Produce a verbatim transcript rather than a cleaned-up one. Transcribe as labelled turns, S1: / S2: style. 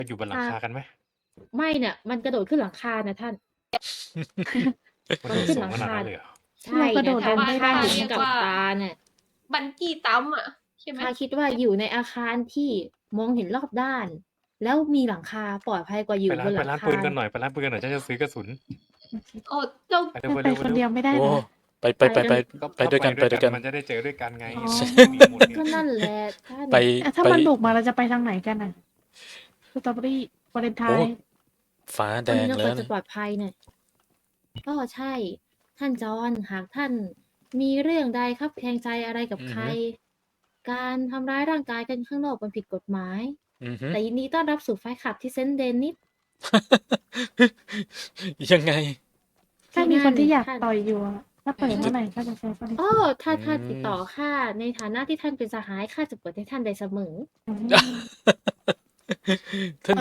S1: ไปอยู่บนหลังคากันไหม
S2: ไม่เนี่ยมันกระโดดขึ้นหลังคานะท่าน
S1: มัน
S2: มัน
S1: โดด
S2: ขึ้น
S1: สู
S2: ห
S1: ง
S2: ลัง
S1: ขนาด
S2: คา
S1: นั้นเลยเหรอ
S2: ใช่
S3: เรากระโดด
S2: นะท่าน
S3: ลงไม่ได้
S2: ข้า
S3: เห็
S2: เห็
S3: น
S2: นกับ
S3: ไหม
S2: ตาเนี่ย
S4: บันจี้จัมป์อะใช่ไหม
S2: ข้าคิดว่าอยู่ในอาคารที่มองเห็นรอบด้าน แล้วมีหลังคาปลอดภัยกว่าอ
S1: ไป
S2: ยู่
S1: ร้า
S2: บ
S1: น
S2: นห
S1: ไป
S2: ลัง
S1: ร้าน
S2: คา
S1: ปืนกันหน่อย ไปร้านปืนกันหน่อย ฉันจะซื้อกระสุน
S4: โอ้เจ้า
S1: ไปเร็
S3: มั
S1: วน ไป
S3: ไป
S1: เร็ว
S3: ค
S1: ไป
S3: น
S1: เร็
S3: เดียว วไม่ได้
S5: โอ้
S3: เหรอ
S5: ไปไปไปไป
S1: ก็
S5: ไปด้วยกัน
S1: ถ้า
S5: ไปด้วยกัน
S1: มันจะได้เจอด้วยกันไง
S3: อ๋อ
S1: มีหมดเนี่ย
S2: ก็นั่นแหละท่าน
S5: ไป
S3: อ่ะถ้า
S5: ไป
S3: มันบุกมาเราจะไปทางไหนกันน่ะสตรอเบอรี่วาเลนไท
S5: โอ้
S3: น์
S5: ฟ้าแด
S2: วัน
S5: ง
S2: นี้เรา
S5: แล้
S2: คว วรจะ
S5: นะ
S2: ปลอดภัยเนี่ยก็ใช่ ท่านจอห์นหากท่านมีเรื่องใดครับแคลงใจอะไรกับ
S5: อือ
S2: ใค
S5: ฮึ
S2: ร การทำร้ายร่างกายกันข้างนอกมันผิดกฎหมาย
S5: อือฮึ
S2: แต่ยินดีต้อนรับสู่ไฟท์คลับที่เซนต์เดนิส
S5: ยังไง?
S3: ถ้า
S2: ที่
S3: มี
S2: นั่
S3: คน นที่อยาก
S2: ท่าน
S3: ต่อยอยู่อะ ถ้าเปิด
S2: อือ
S3: เมื่อไหร่ข้าจะใช้บริ
S2: อ้อ ถ้า
S5: อื
S2: ถ้าติดต่อ
S5: ม
S2: ข้า ในฐานะที่ท่านเป็นสหาย ข้าจะเปิดให้ท่านได้เสมอ
S3: อืม
S5: ท่าน